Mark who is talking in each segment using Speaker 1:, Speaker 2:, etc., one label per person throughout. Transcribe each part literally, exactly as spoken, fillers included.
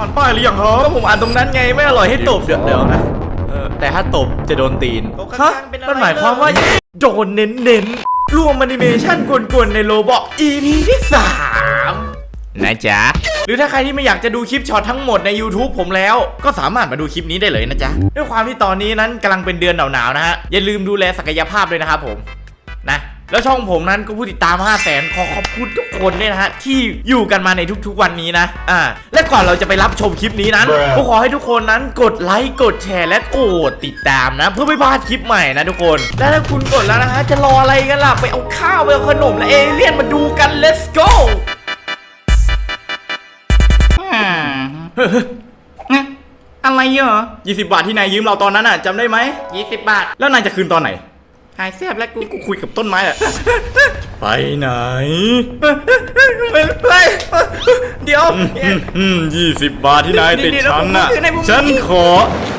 Speaker 1: อ่านป้ายหรือยังครับก็ผมอ่านตรงนั้นไงไม่อร่อยให้ตบเดี๋ยวเดี๋ยวนะแต่ถ้าตบจะโดนตีนฮะมันหมายความว่าโดนเน้นๆรวมแอนิเมชั่นกวนๆในโรบอก อี พี ที่สามนะจ๊ะหรือถ้าใครที่ไม่อยากจะดูคลิปช็อตทั้งหมดใน YouTube ผมแล้วก็สามารถมาดูคลิปนี้ได้เลยนะจ๊ะด้วยความที่ตอนนี้นั้นกำลังเป็นเดือนหนาวๆนะฮะอย่าลืมดูแลศักยภาพด้วยนะครับผมนะแล้วช่องผมนั้นก็ผู้ติดตาม ห้าแสน ขอขอบคุณทุกคนด้วยนะฮะที่อยู่กันมาในทุกๆวันนี้นะอ่าและก่อนเราจะไปรับชมคลิปนี้นั้นก็ขอให้ทุกคนนั้นกดไลค์กดแชร์และกดติดตามนะเพื่อไม่พลาดคลิปใหม่นะทุกคนและถ้าคุณกดแล้วนะฮะจะรออะไรกันล่ะไปเอาข้าวไปเอาขนมและเอเลี่ยนมาดูกัน let's goอะไรเหรอยี่สิบบาทที่นายยืมเราตอนนั้นอ่ะจำได้ไหมยี่สิบบาทแล้วนายจะคืนตอนไหนหายเสียบแล้วกูกูคุยกับต้นไม้แหละไปไหนไปเดี๋ยวยี่สิบบาทที่นายติดฉันน่ะฉันขอ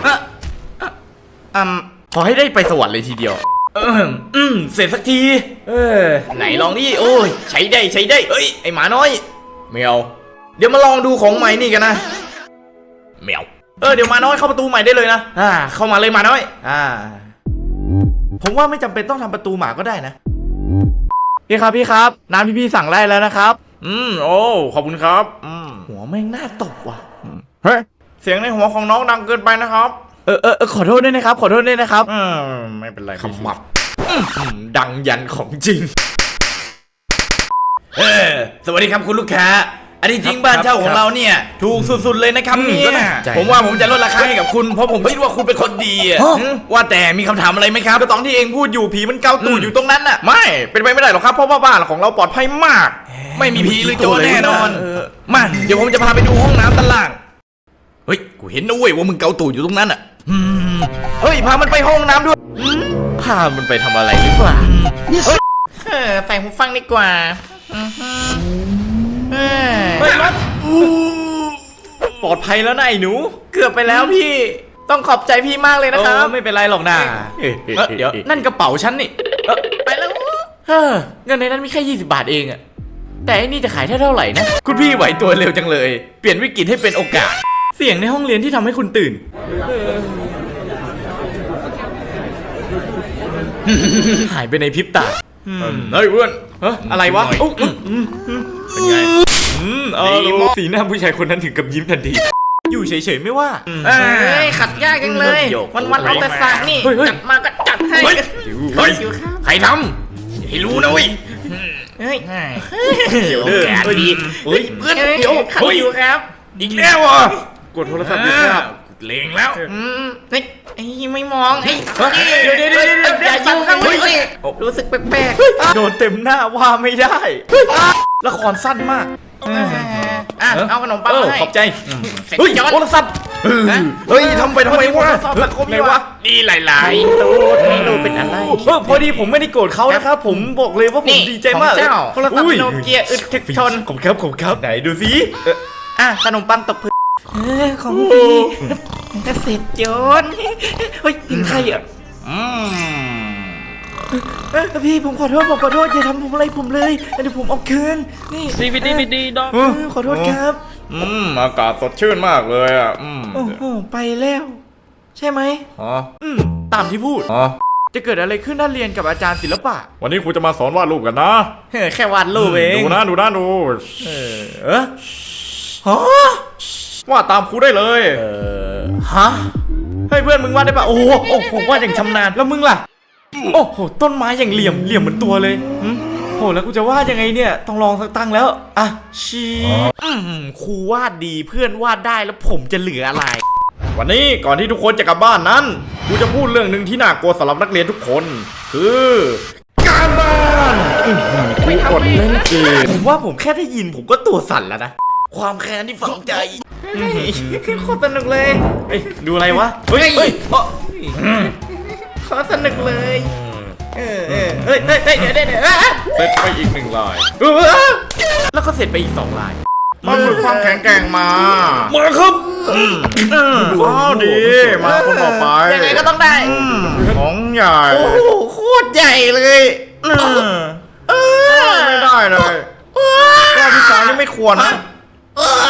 Speaker 1: อืมขอให้ได้ไปสวรรค์เลยทีเดียวอืมเสร็จสักทีเออไหนลองดิโอ้ยใช้ได้ใช้ได้เอ้ยไอหมาน้อยแมวเดี๋ยวมาลองดูของใหม่นี่กันนะแมวเออเดี๋ยวมาน้อยเข้าประตูใหม่ได้เลยนะอ่าเข้ามาเลยมาน้อยอ่าผมว่าไม่จำเป็นต้องทำประตูหมาก็ได้นะพี่ครับพี่ครับน้ำที่พี่สั่งได้แล้วนะครับอืมโอ้ขอบคุณครับอืมหัวแม่งน่าตบว่ะเฮ้ยเสียงในหัวของน้องดังเกินไปนะครับเออเออขอโทษด้วยนะครับขอโทษด้วยนะครับอืมไม่เป็นไรขมับดังยันของจริงเออสวัสดีครับคุณลูกค้าอันที่จริงบ้านเช่าของเราเนี่ยถูกสุดๆเลยนะครับเนี่ยผมว่าผมจะลดราคาให้กับคุณเพราะผมคิดว่าคุณเป็นคนดีว่าแต่มีคำถามอะไรไหมครับก็ตอนที่เองพูดอยู่ผีมันเกาตูดอยู่ตรงนั้นน่ะไม่เป็นไปไม่ได้หรอกครับเพราะว่าบ้านของเราปลอดภัยมากไม่มีผีหรือโจรแน่นอนมาเดี๋ยวผมจะพาไปดูห้องน้ำด้านล่างเฮ้ยกูเห็นนะเว้ยว่ามึงเกาตูดอยู่ตรงนั้นอ่ะเฮ้ยพามันไปห้องน้ำด้วยพามันไปทำอะไรหรือเปล่าใส่หูฟังดีกว่าเฮ้ยมันปลอดภัยแล้วนะไอ้หนูเกือบไปแล้วพี่ต้องขอบใจพี่มากเลยนะครับไม่เป็นไรหรอกนะเดี๋ยวนั่นกระเป๋าฉันนี่ไปแล้วเงินในนั้นมีแค่ยี่สิบบาทเองอะแต่อันนี้จะขายได้เท่าไหร่นะคุณพี่ไหวตัวเร็วจังเลยเปลี่ยนวิกฤตให้เป็นโอกาสเสียงในห้องเรียนที่ทำให้คุณตื่นหายไปในพริบตาเฮ้ยเพื่อนอะไรวะเป็นไงเออสีหน้าผู้ชายคนนั้นถึงกับยิ้มทันทีอยู่เฉยๆไม่ว่าเฮ้ยขัดยากจังเลยวันๆเอาแต่สั่งนี่จัดมาก็จัดให้ใครทำให้รู้นะเว้ยเฮ้ยเดี๋ยวแกดีเฮ้ยเพื่อนเดี๋ยวขัดอยู่ครับอีกแล้วอ่ะกดโทรศัพท์ดีครับเลงแล้วเฮ้ยไอ้ไม่มองไอ้เดี๋ยวเดี๋ยวเดี๋ยวอย่าสั่งข้างบนรู้สึกแปลกๆโดนเต็มหน้าว่าไม่ได้ละครสั้นมากอ่ะเอาขนมปังให้ขอบใจเฮ้ยโทรศัพท์เฮ้ยทำไปทำไมวะไงวะนี่หลายๆดูเป็นอะไรพอดีผมไม่ได้โกรธเขานะครับผมบอกเลยว่าผมดีใจมากโทรศัพท์โนเกียอึดทึกชนผมครับผมครับไหนดูสิอ่ะขนมปังตกพื้นของพี่เสร็จโจนเฮ้ยกินใครอ่ะพี่ผมขอโทษผมขอโทษอย่าทำผมอะไรผมเลยเดี๋ยวผมเอาคืนนี่ดีดีดีดีดอกขอโทษครับอืมอากาศสดชื่นมากเลยอ่ะอืมโอ้โหไปแล้วใช่ไหมอ๋ออืมตามที่พูดอ๋อจะเกิดอะไรขึ้นถ้าเรียนกับอาจารย์ศิลปะวันนี้ครูจะมาสอนวาดรูปกันนะแค่วาดรูปเองดูนะดูนะดูเออเออฮะวาดตามครูได้เลยเออฮะเฮ้ยเพื่อนมึงวาดได้ปะโอ้โหผมวาดอย่างชำนาญแล้วมึงล่ะโอ้โหต้นไม้อย่างเหลี่ยมเหลี่ยมเหมือนตัวเลยโหแล้วกูจะวาดยังไงเนี่ยต้องลองสักตั้งแล้วอ่ะชีครูวาดดีเพื่อนวาดได้แล้วผมจะเหลืออะไรวันนี้ก่อนที่ทุกคนจะกลับบ้านนั้นกูจะพูดเรื่องหนึ่งที่น่ากลัวสำหรับนักเรียนทุกคนคือการบ้านกูกดเล่นเกมผมว่าผมแค่ได้ยินผมก็ตัวสั่นแล้วนะความแค้นที่ฝังใจโคตรสนุกเลยดูอะไรวะเฮ้ยเฮ้ยขอสนุกเลยเออเออเฮ้ยเฮ้ยเฮ้ยเดี๋ยวเดี๋ยวเดี๋ยวเสร็จไปอีกหนึ่งลายแล้วก็เสร็จไปอีกสองลายมาฝึกความแข็งแกร่งมามาครับว้าวดีมาคนต่อไปยังไงก็ต้องได้ของใหญ่โอ้โหโคตรใหญ่เลยไม่ได้เลยว่าพี่สาวนี่ไม่ควรนะ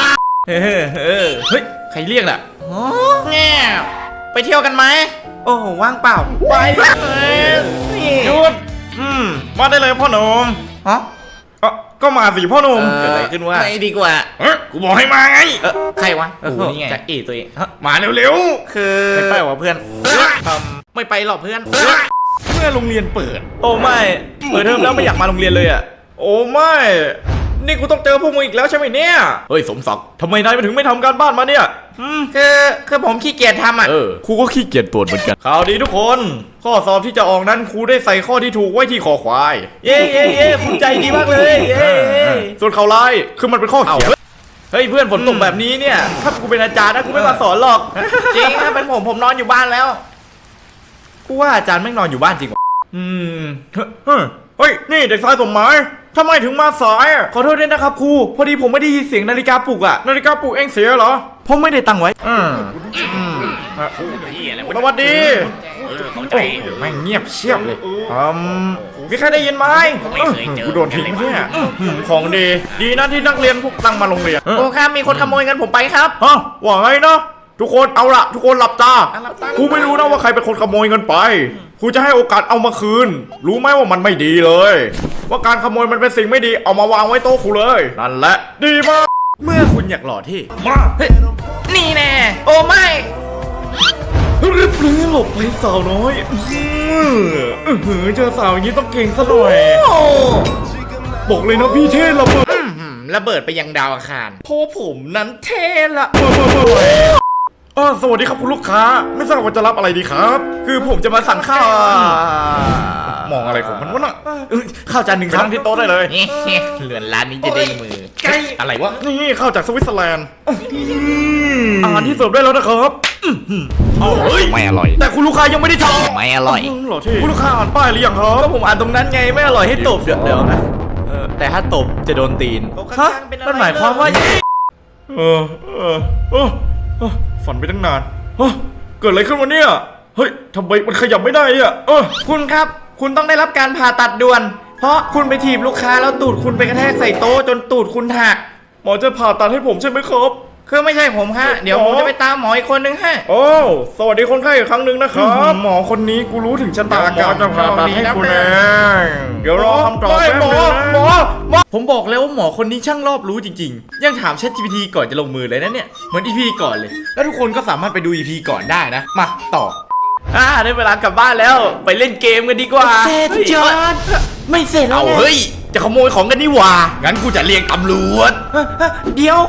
Speaker 1: เออเออเฮ้ยใครเรียกล่ะอ๋อแง่ไปเที่ยวกันไหมโอ้ว่างเปล่าไปหยุดอืมมาได้เลยพ่อหนุ่มฮะก็มาสิพ่อหนุ่มเกิดอะไรขึ้นวะไม่ดีกว่าเออกูบอกให้มาไงเออใครวะโอ้โหนี่ไงจะเอตัวเองมาเร็วๆคือไม่ไปวะเพื่อนทำไม่ไปหรอกเพื่อนเมื่อโรงเรียนเปิดโอ้ไม่เปิดเทอมแล้วไม่อยากมาโรงเรียนเลยอ่ะโอ้ไม่นี่กูต้องเจอพวกมึงอีกแล้วใช่ไหมเนี่ยเฮ้ยสมศักดิ์ทำไมนายถึงไม่ทำการบ้านมาเนี่ยคือคือผมขี้เกียจทำอ่ะเออครูก็ขี้เกียจตรวจเหมือนกันข่าวดีทุกคนข้อสอบที่จะออกนั้นครูได้ใส่ข้อที่ถูกไว้ที่คอควายเย้เย้เย้คุณใจดีมากเลยเย้ส่วนข่าวร้ายคือมันเป็นข้อเขียนเฮ้ยเพื่อนฝนตกแบบนี้เนี่ยถ้ากูเป็นอาจารย์นะกูไม่มาสอนหรอกจริงถ้าเป็นผมผมนอนอยู่บ้านแล้วกูว่าอาจารย์ไม่นอนอยู่บ้านจริงอืมเฮ้ยนี่เด็กชายสมหมายทำไมถึงมาสายอ่ะขอโทษด้วยนะครับครูพอดีผมไม่ได้ยินเสียงนาฬิกาปลุกอ่ะนาฬิกาปลุกเองเสียเหรอผมไม่ได้ตั้งไว้อืมอืมสวัสดีโอ้แม่งเงียบเชียบเลยอืมมีใครได้ยินไหมกูโดนทิ้งเนี่ยของดีดีนะที่นักเรียนพวกตั้งมาโรงเรียนโอ้ครับมีคนขโมยเงินผมไปครับฮะว่าไงนะทุกคนเอาละทุกคนหลับตาครูไม่รู้นะว่าใครเป็นคนขโมยเงินไปครูจะให้โอกาสเอามาคืนรู้ไหมว่ามันไม่ดีเลยว่าการขโมยมันเป็นสิ่งไม่ดีเอามาวางไว้โต๊ะครูเลยนั่นแหละดีมากเมื่อคุณอยากหล่อที่มาเฮ้ยนี่แน่โอ้ไม่รีบลื้อหลบไปสาวน้อยเออเจอสาวอย่างนี้ต้องเก่งซะหน่อยบอกเลยนะพี่เท่ระเบิดระเบิดไปยังดาวอังคารเพราะผมนั้นเท่ละอ๋อสวัสดีครับคุณลูกค้าไม่ทราบว่าจะรับอะไรดีครับคือผมจะมาสั่งข้าวมองอะไรของมันวะน่ะข้าวจานหนึ่งครั้งที่โต๊ะได้เลยเหลือนร้านนี้จะได้มือไก่อะไรวะนี่ข้าวจากสวิตเซอร์แลนด์อาหารที่เสิร์ฟได้แล้วนะครับไม่อร่อยแต่คุณลูกค้ายังไม่ได้ทำไม่อร่อยหรอที่คุณลูกค้าอ่านป้ายหรือยังครับก็ผมอ่านตรงนั้นไงไม่อร่อยให้ตบเดี๋ยวเดี๋ยวนะแต่ถ้าตบจะโดนตีนฮะมันหมายความว่าเออเออเออฝันไปตั้งนานเกิดอะไรขึ้นวะเนี่ยเฮ้ยทำไมมันขยับไม่ได้เนี่ยเออคุณครับคุณต้องได้รับการผ่าตัดด่วนเพราะคุณไปถีบลูกค้าแล้วตูดคุณไปกระแทกใส่โต๊ะจนตูดคุณหักหมอจะผ่าตัดให้ผมใช่ไหมครับคือไม่ใช่ผมฮะเดี๋ยวผมจะไปตามหมออีกคนนึงฮะโอ้สวัสดีคนไข้อีกครั้งหนึ่งนะครับหมอคนนี้กูรู้ถึงชะตากรรมจะผ่าตัดให้คุณเองเดี๋ยวรอคำตอบแป๊บนึงนะหมอหมอผมบอกแล้วว่าหมอคนนี้ช่างรอบรู้จริงๆยังถาม ChatGPT ก่อนจะลงมือเลยนะเนี่ยเหมือน อี พี ก่อนเลยแล้วทุกคนก็สามารถไปดู อี พี ก่อนได้นะมาต่ออ่าได้เวลากลับบ้านแล้วไปเล่นเกมกันดีกว่าเสร็จจอดไม่เสร็จแล้วเฮ้ยจะขโมยของกันนี่หว่างั้นกูจะเรียกตำรวจเดี๋ยว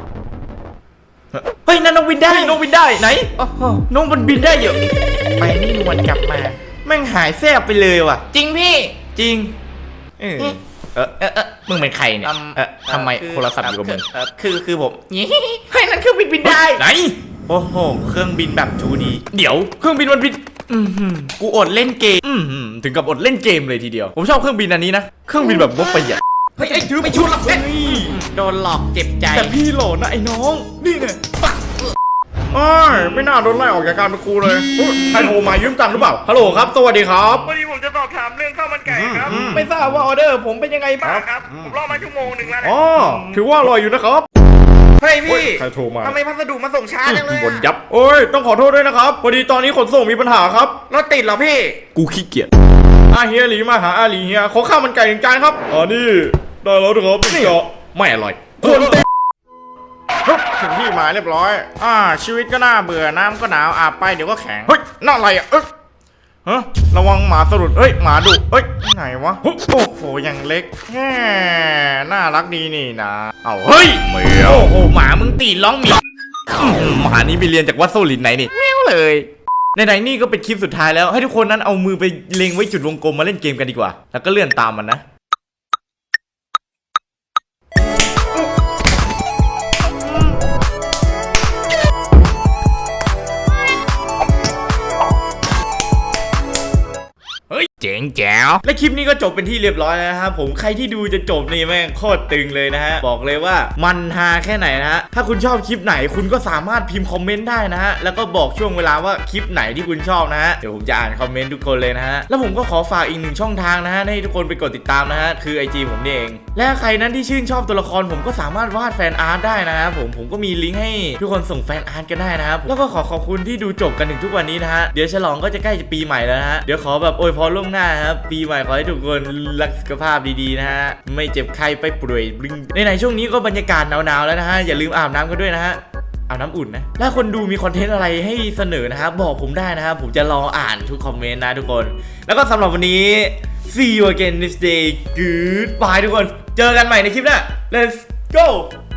Speaker 1: เฮ้ยนั่นน้องบินได้น้องบินได้ไหนน้องมันบินได้เยอะไปนี่นวลกลับมาแม่งหายแซ่บไปเลยว่ะจริงพี่จริงเออเออเออมึงเป็นใครเนี่ยเออทำไมโทรศัพท์อยู่กับมึงคือคือผมเฮ้ยนั่นเครื่องบินบินได้ไหนโอ้โหเครื่องบินแบบทูดีเดี๋ยวเครื่องบินมันบินอืมกูอดเล่นเกมอืมถึงกับอดเล่นเกมเลยทีเดียวผมชอบเครื่องบินอันนี้นะเครื่องบินแบบงบประหยัดเฮ้ยไอ้ถือไม่ชุดหรอกนี่โดนหลอกเจ็บใจแต่พี่หล่อนะไอ้น้องนี่ไงอ้ายไม่น่าโดนไล่ออกจากการเป็นครูเลยใครโทรมายืมตังค์หรือเปล่าฮัลโหลครับสวัสดีครับ
Speaker 2: วันนี้ผมจะสอบถามเรื่องข้าวมันไก่ครับ
Speaker 1: ไม่ทราบว่าออเดอร์ผมเป็นยังไงบ้าง
Speaker 2: ครับผมรอมาชั่วโมงหนึ่งแล้ว
Speaker 1: อ๋อถือว่าอร่อยอยู่นะครับ
Speaker 2: เฮ้ยพี่
Speaker 1: ใครโทรมา
Speaker 2: ทำไมพัสดุมาส่งช้าจังเลย
Speaker 1: บนยับโอ้ยต้องขอโทษด้วยนะครับพอดีตอนนี้ขนส่งมีปัญหาครับ
Speaker 2: รถติดเหรอพี่
Speaker 1: กูขี้เกียจอาเฮียหลีมาหาอาหลีเฮียขอข้าวมันไก่หนึ่งจานครับอ๋อนี่ได้แล้วนะครับนี่ไม่อร่อยส่วนเต็มถึงที่หมายเรียบร้อยอ่าชีวิตก็น่าเบื่อน้ำก็หนาวอาบไปเดี๋ยวก็แข็งเฮ้ยน่าอะไรอ่ะเอ๊ะฮะระวังหมาสะดุดเอ้ยหมาดุเอ้ยไหนวะโอ้โหยังเล็กแง่น่ารักดีนี่นะเอาเฮ้ยเหมียวโอ้โหหมามึงตีร้องมีหมานี้ไปเรียนจากวัดโซลินไหนนี่เมียวเลยในๆนี่ก็เป็นคลิปสุดท้ายแล้วให้ทุกคนนั้นเอามือไปเล็งไว้จุดวงกลมมาเล่นเกมกันดีกว่าแล้วก็เลื่อนตามมันนะเฮ้ยเจ๋ง
Speaker 3: งแจ๋ว
Speaker 1: และคลิปนี้ก็จบเป็นที่เรียบร้อยแล้วนะครับผมใครที่ดูจะจบนี่แม่งโคตรตึงเลยนะฮะบอกเลยว่ามันฮาแค่ไหนนะฮะถ้าคุณชอบคลิปไหนคุณก็สามารถพิมพ์คอมเมนต์ได้นะฮะแล้วก็บอกช่วงเวลาว่าคลิปไหนที่คุณชอบนะฮะเดี๋ยวผมจะอ่านคอมเมนต์ทุกคนเลยนะฮะแล้วผมก็ขอฝากอีกหนึ่งช่องทางนะฮะให้ทุกคนไปกดติดตามนะฮะคือ ไอ จี ผมนี่เองและใครนั้นที่ชื่นชอบตัวละครผมก็สามารถวาดแฟนอาร์ตได้นะครับผมผมก็มีลิงก์ให้ทุกคนส่งแฟนอาร์ตกันได้นะครับแล้วก็ขอขอบคุณที่ดูจบกันถึงทุกวันนี้นะฮะเดี๋ยวฉลองก็จะใกล้จะปีใหม่แล้วนะฮะเดี๋ยวขอแบบอวยพรล่วงหน้าครับปีใหม่ขอให้ทุกคนรักสุขภาพดีๆนะฮะไม่เจ็บไข้ไปป่วยบลิงในๆช่วงนี้ก็บรรยากาศหนาวๆแล้วนะฮะอย่าลืมอาบน้ำกันด้วยนะฮะอาบน้ำอุ่นนะถ้าคนดูมีคอนเทนต์อะไรให้เสนอนะครับบอกผมได้นะครับผมจะรออ่านทุกคอมเมนต์นะทุกคนแล้วก็สำหรับวันนี้ see you again next day goodbye ทุกคนเจอกันใหม่ในคลิปหน้า let's go